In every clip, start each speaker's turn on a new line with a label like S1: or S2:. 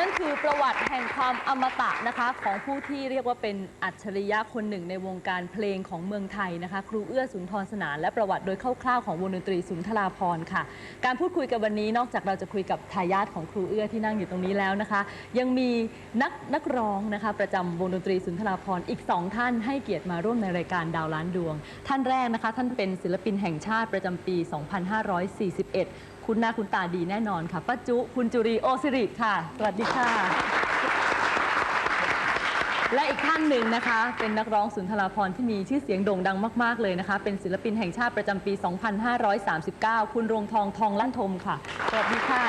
S1: นั่นคือประวัติแห่งความอมตะนะคะของผู้ที่เรียกว่าเป็นอัจฉริยะคนหนึ่งในวงการเพลงของเมืองไทยนะคะครูเอื้อสุนทรสนานและประวัติโดยคร่าวๆของวงดนตรีสุนทราภรณ์ค่ะการพูดคุยกันวันนี้นอกจากเราจะคุยกับทายาทของครูเอื้อที่นั่งอยู่ตรงนี้แล้วนะคะยังมีนักร้องนะคะประจำวงดนตรีสุนทราภรณ์อีก2ท่านให้เกียรติมาร่วมในรายการดาวล้านดวงท่านแรกนะคะท่านเป็นศิลปินแห่งชาติประจำปี 2541คุณหน้าคุณตาดีแน่นอนค่ะป้าจุคุณจุรีโอสิริค่ะสวัสดีค่ะและอีกท่านหนึ่งนะคะเป็นนักร้องสุนทราภรณ์ที่มีชื่อเสียงโด่งดังมากๆเลยนะคะเป็นศิลปินแห่งชาติประจำปี 2539 คุณรวงทองทองลั่นทมค่ะสวัสดีค่ะ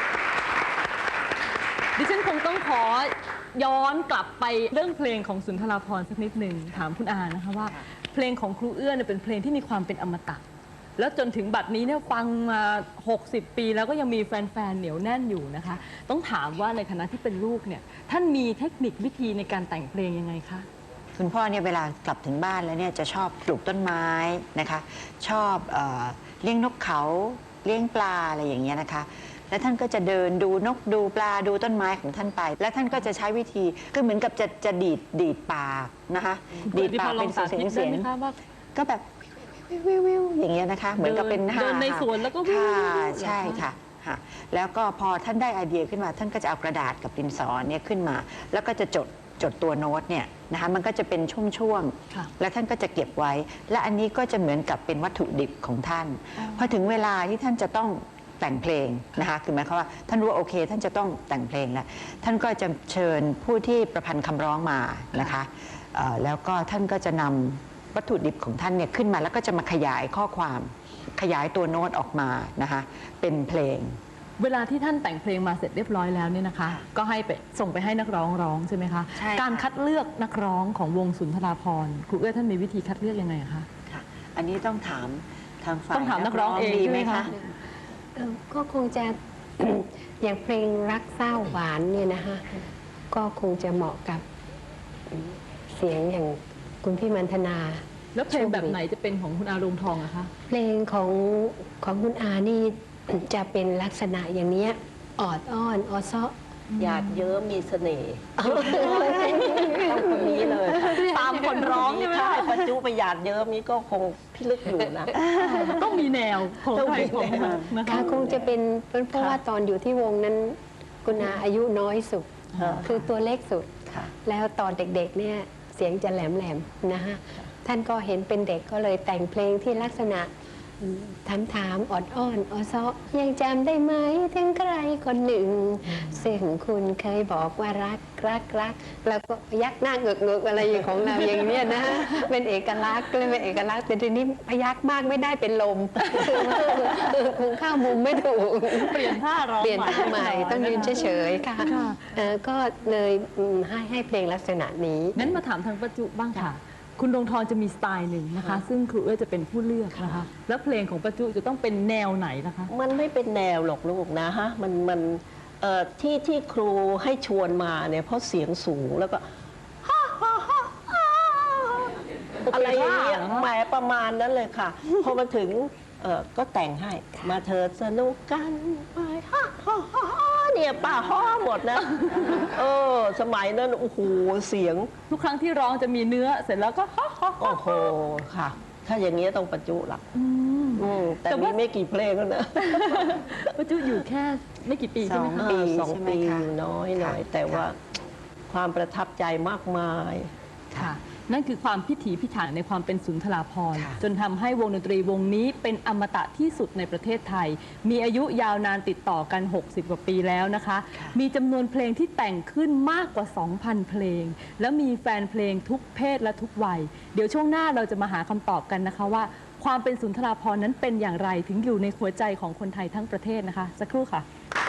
S1: ดิฉันคงต้องขอย้อนกลับไปเรื่องเพลงของสุนทราภรณ์สักนิดหนึ่งถามคุณอานะคะว่าเพลงของครูเอื้อเนี่ยเป็นเพลงที่มีความเป็นอมตะแล้วจนถึงบัดนี้เนี่ยฟังมา60 ปีแล้วก็ยังมีแฟนๆเหนียวแน่นอยู่นะคะต้องถามว่าในฐานะที่เป็นลูกเนี่ยท่านมีเทคนิควิธีในการแต่งเพลงยังไงคะ
S2: คุณพ่อเนี่ยเวลากลับถึงบ้านแล้วเนี่ยจะชอบปลูกต้นไม้นะคะชอบเลี้ยงนกเขาเลี้ยงปลาอะไรอย่างเงี้ยนะคะแล้วท่านก็จะเดินดูนกดูปลาดูต้นไม้ของท่านไปแล้วท่านก็จะใช้วิธีก็เหมือนกับจะดีดปากนะคะดีดปากเป็นเสียงก็แบบวิวอย่างเงี้ยนะคะเหมือนกับเป็น
S1: เดินในสวนแล้วก็
S2: ค่ะใช่ค่ะแล้วก็พอท่านได้ไอเดียขึ้นมาท่านก็จะเอากระดาษกับดินสอเนี่ยขึ้นมาแล้วก็จะจดตัวโน้ตเนี่ยนะคะมันก็จะเป็นช่วงๆแล้วท่านก็จะเก็บไว้และอันนี้ก็จะเหมือนกับเป็นวัตถุดิบของท่านพอถึงเวลาที่ท่านจะต้องแต่งเพลงนะคะคือหมายความว่าท่านรู้ว่าโอเคท่านจะต้องแต่งเพลงแล้วท่านก็จะเชิญผู้ที่ประพันธ์คำร้องมานะคะแล้วก็ท่านก็จะนำวัตถุดิบของท่านเนี่ยขึ้นมาแล้วก็จะมาขยายข้อความขยายตัวโน้ตออกมานะคะเป็นเพลง
S1: เวลาที่ท่านแต่งเพลงมาเสร็จเรียบร้อยแล้วเนี่ยนะคะก็ให้ไปส่งไปให้นักร้องร้องใช่ไหมคะการคัดเลือกนักร้องของวงสุนทราภรณ์ครูเอื้อท่านมีวิธีคัดเลือกยังไงคะ
S2: ค่ะอันนี้ต้องถามทางฝ่าย
S1: ต้องถามนักร้องเองใช่ไหมคะ
S3: ก็คงจะ อย่างเพลงรักเศร้าหวานเนี่ยนะคะก็คงจะเหมาะกับเสียงอย่างคุณพี่มันธนา
S1: แล้วเพลงแบบไหนจะเป็นของคุณอารมณ์ทองอะคะ
S3: เพลงของคุณอานี่จะเป็นลักษณะอย่างนี้ออดอ้อนออซ้อ
S4: หยาดเยิ้มมีเสน่ห์ต้องคนนี้เลย
S1: ตามคนร้องใช่ไหม
S4: ถ้าประจุไปหยาดเยิ้มนี้ก็คงพิลึกอยู่นะ
S1: ต้องมีแนวของใครของมันนะคะ
S3: คงจะเป็นเพราะว่าตอนอยู่ที่วงนั้นคุณอาอายุน้อยสุดคือตัวเล็กสุดแล้วตอนเด็กๆเนี่ยเสียงจะแหลมๆนะคะท่านก็เห็นเป็นเด็กก็เลยแต่งเพลงที่ลักษณะถามออดอ้อนออซ้อยังจำได้ไหมถึงใครคนหนึ่งซึ่งคุณเคยบอกว่ารักแล้วก็ยักหน้าเงือกอะไรอย่างของเราอย่างนี้นะเป็นเอกลักษณ์เลยเป็นเอกลักษณ์แต่ทีนี้พยักมากไม่ได้เป็นลมคงเข้ามุมไม่ถูก
S1: เปลี่ยนท่าร้อง
S3: เปลี่ยนท่าใหม่ต้องยืนเฉยๆค่ะก็เลยให้เพลงลักษณะนี้
S1: งั้นมาถามทางประจุบ้างค่ะคุณดวงทองจะมีสไตล์หนึ่งนะคะซึ่งครูเอื้อจะเป็นผู้เลือกนะคะแล้วเพลงของประจุจะต้องเป็นแนวไหนนะคะ
S4: มันไม่เป็นแนวหรอกลูกนะฮะมันที่ครูให้ชวนมาเนี่ยเพราะเสียงสูงแล้วก็อะไรอย่างเงี้ยหมายประมาณนั้นเลยค่ะพอมาถึงก็แต่งให้มาเธอสนุกกันไปเนี่ยป้าฮ้อหมดนะสมัยนั้นโอ้โหเสียง
S1: ทุกครั้งที่ร้องจะมีเนื้อเสร็จแล้วก็
S4: โอ้โหค่ะถ้าอย่างนี้ต้องประจุหลักแต่มีไม่กี่เพลงแล้วนะ
S1: ประจุอยู่แค่ไม่กี่ปีใช่ไหมคะ
S4: 2 ปีน้อยหน่อยแต่ว่าความประทับใจมากมาย
S1: ค่ะนั่นคือความพิถีพิถันในความเป็นสุนทราภรณ์จนทำให้วงดนตรีวงนี้เป็นอมตะที่สุดในประเทศไทยมีอายุยาวนานติดต่อกัน60 กว่าปีแล้วนะคะมีจำนวนเพลงที่แต่งขึ้นมากกว่า 2,000 เพลงแล้วมีแฟนเพลงทุกเพศและทุกวัยเดี๋ยวช่วงหน้าเราจะมาหาคำตอบกันนะคะว่าความเป็นสุนทราภรณ์นั้นเป็นอย่างไรถึงอยู่ในหัวใจของคนไทยทั้งประเทศนะคะสักครู่ค่ะ